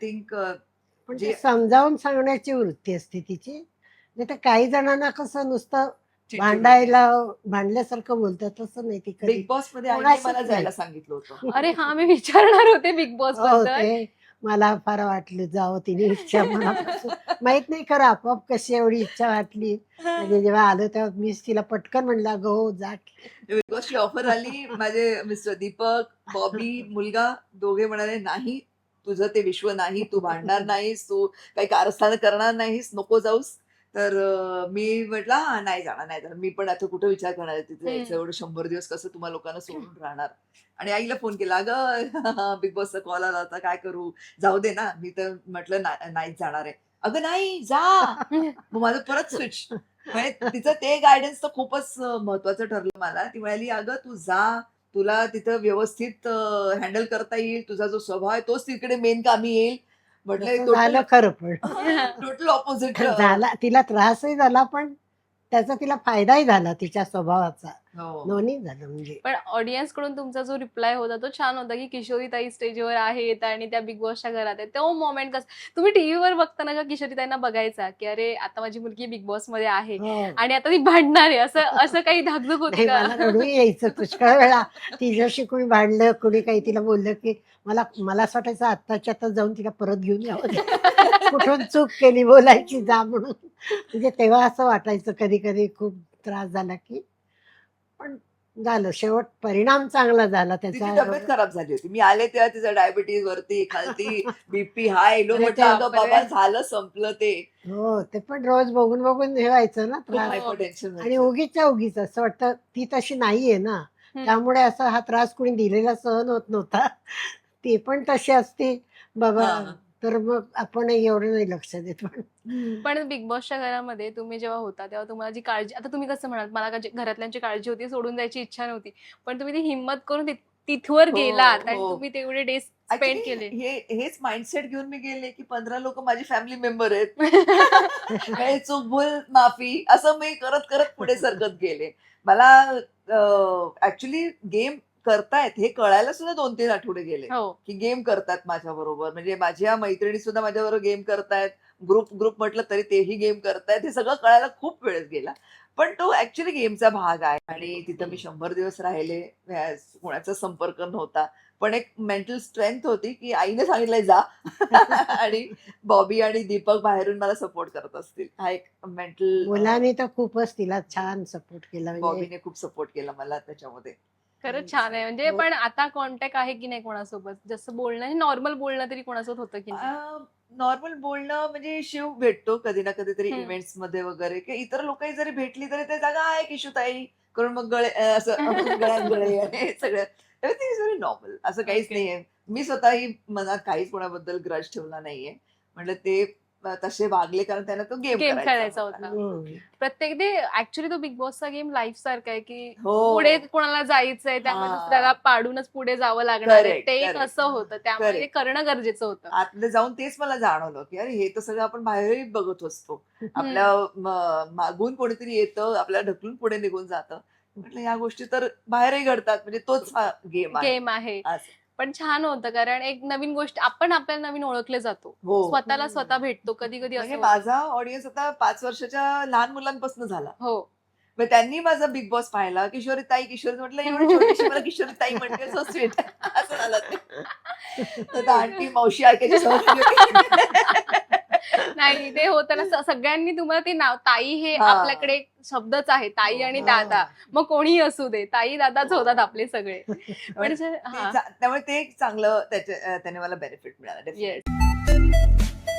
Think पण जे ते समजावून सांगण्याची वृत्ती असते तिची. नाही तर काही जणांना कसं नुसतं भांडल्यासारखं बोलतात, तसं नाही ती कधी बिग बॉस मध्ये आईने कोणाशीच मला नाही. जायला सांगितलं होतं. अरे हा, मी विचारणार होते बिग बॉस हो, बद्दल. ते मला फार वाटलं जावं तिने इच्छा मनापासून. माहित नाही खरं आपोआप कशी एवढी इच्छा वाटली. म्हणजे जेव्हा आलं तेव्हा मीच तिला पटकन म्हणलं, "अगं हो जा की." बिग बॉसची ऑफर आली, माझे मिस्टर दीपक, बॉबी, मुलगा दोघे म्हणाले, "नाही, तुझं ते विश्व नाही, तू भांडणार नाहीस, तू काही कारस्थान करणार नाहीस, नको जाऊस." तर मी म्हटलं, "हां, नाही जाणार, नाही जाणार." मी पण आता कुठं विचार करणार आहे तिथे जायचं, एवढं 100 दिवस कसं तुम्हा लोकांना सोडून राहणार. आणि आईला फोन केला, "अगं, बिग बॉसचा कॉल आला होता, काय करू? जाऊ दे ना." मी तर म्हटलं, नाहीच जाणार आहे." "अगं नाही, जा." मग माझं परत स्विच. म्हणजे तिचं ते गायडन्स तर खूपच महत्वाचं ठरलं मला. ती म्हणाली, "अगं तू जा, तुला तिथं व्यवस्थित हँडल करता येईल. तुझा जो स्वभाव आहे तोच तिकडे मेन कामी येईल." म्हटलं तसं टोटल झालं खरं पण. Total opposite. झाला, तिला त्रासही झाला पण त्याचा तिला फायदाही झाला तिच्या स्वभावाचा. हो. दोन्ही झालं म्हणजे. पण ऑडियन्स कडून तुमचा जो रिप्लाय होता तो छान होता, की किशोरीताई स्टेजवर आहेत आणि त्या बिग बॉसच्या घरात आहेत. तो मोमेंट कसं तुम्ही टीव्हीवर बघताना का किशोरीताईंना बघायचा, की अरे आता माझी मुलगी बिग बॉस मध्ये आहे हो. आणि आता ती भांडणार आहे, असं असं काही धाकधूक होती नाही, का? मला रडू यायचं पुष्कळ वेळा. तिच्याशी कोणी भांडलं, कोणी काही तिला बोललं, की मला मला असं वाटायचं आत्ताच्या आता जाऊन तिला परत घेऊन यावं. कुठून चूक केली बोलायची जा म्हणून. म्हणजे तेव्हा असं वाटायचं कधी-कधी खूप त्रास झाला, की पण झालं शेवट परिणाम चांगला झाला तिची त्याचा. तब्येत खराब झाली होती. मी आले तेव्हा तिचं डायबिटीज वरती खालती, बीपी हाय लो. अरे म्हटलं अगं बापरे. बाबा झालं संपलं ते. हो, ते पण रोज बघून हे व्हायचं ना खूप त्रास. हायपर टेन्शन आणि उगीचच्या उगीच असं वाटतं ती तशी नाहीये ना, हम्म. त्यामुळे असा हा त्रास कोणी दिलेला सहन होत नव्हता. ती पण तशी असती बाबा, हां. तर मग आपणही एवढं नाही लक्ष देत. पण पण बिग बॉसच्या घरामध्ये तुम्ही जेव्हा होता तेव्हा तुम्हाला जी काळजी, आता तुम्ही कसं म्हणाल मला घरातल्यांची काळजी होती, सोडून जायची इच्छा नव्हती, पण तुम्ही ती हिंमत करून तिथवर हो, गेलात आणि हो. तुम्ही तेवढे डेज स्पेंड केले. हेच माइंडसेट घेऊन मी गेले, की 15 लोक माझी फॅमिली मेंबर आहेत. हे चूक भूल माफी असं मी करत करत पुढे सरकत गेले. मला ऍक्च्युली गेम करतायत हे कळायला सुद्धा 2-3 आठवडे गेले, हो. की गेम करतात माझ्या बरोबर. म्हणजे माझ्या मैत्रिणी सुद्धा माझ्याबरोबर गेम करतायत. ग्रुप ग्रुप म्हटलं तरी तेही गेम करतायत. हे सगळं कळायला खूप वेळ गेला. पण तो ऍक्च्युअली गेमचा भाग आहे आणि तिथं मी 100 दिवस राहिले. कोणाचा संपर्क नव्हता. पण एक मेंटल स्ट्रेंथ होती, की आईने सांगितलंय जा. आणि बॉबी आणि दीपक बाहेरून मला सपोर्ट करत असतील. हा एक मेंटल. मुलांनी तर खूपच तिला छान सपोर्ट केला. म्हणजे बॉबीने खूप सपोर्ट केला मला त्याच्यामध्ये. खरंच छान आहे. म्हणजे हो. पण आता कॉन्टॅक्ट आहे की नाही कोणासोबत? जसं बोलणं, नॉर्मल बोलणं तरी कोणासोबत होतं की नाही? नॉर्मल बोलणं म्हणजे शिव भेटतो कधी ना कधीतरी हम्म. इव्हेंट्स मध्ये वगैरे, की इतर लोकही जरी भेटली तरी ते जागा आहे किशोताई करून मग गळे असं गळ्यात गळे आणि हे सगळं एव्हरीथिंग इज व्हेरी नॉर्मल. असं काहीच Okay. नाहीये. मी स्वतःही मनात काहीच कोणाबद्दल ग्रज ठेवला नाहीये. म्हटलं ते तसे वागले कारण त्यांना तो गेम गेम खेळायचा करायचा होता. हम्म. प्रत्येक ते ऍक्च्युली तो बिग बॉसचा गेम लाईफ सारखा आहे, की हो. पुढे कोणाला जायचंय त्यामुळे हा. दुसऱ्याला पाडूनच पुढे जावं लागणार आहे. Correct, ते एक correct. असं होतं, त्यामुळे ते Correct. करणं गरजेचं होतं. आतमध्ये जाऊन तेच मला जाणवलं, की अरे हे तर सगळं आपण बाहेरही बघत असतो. आपल्या मागून कोणीतरी येतं, आपल्याला ढकलून पुढे निघून जातं. म्हटलं ह्या गोष्टी तर बाहेरही घडतात. म्हणजे तोच हा गेम आहे. गेम आहे. असं. पण छान होतं कारण एक नवीन गोष्ट आपण आपल्याला नवीन ओळखले जातो. हो. स्वतःला स्वतः भेटतो. कधी-कधी म्हणजे असं होतं. माझा ऑडियन्स आता 5 वर्षाच्या लहान मुलांपासून झाला. हो. मग त्यांनी माझा बिग बॉस पाहिला. किशोरीताई, किशोरी म्हटलं एवढी छोटीशी मला किशोरीताई म्हणते सो स्वीट. असं झालं ते. तर आंटी, मावशी ऐकायची सवय झाली होती. नाही, ते होतं ना, सगळ्यांनी तुम्हाला ते नाव ताई हे हा. आपल्याकडे एक शब्दच आहे, ताई आणि हो. दादा. मग कोणीही असू दे, ताई दादाच हो. होतात आपले सगळे. पण म्हणजे त्यामुळे ते एक चांगलं त्याने मला बेनिफिट मिळाला. येस. डेफिनेटली.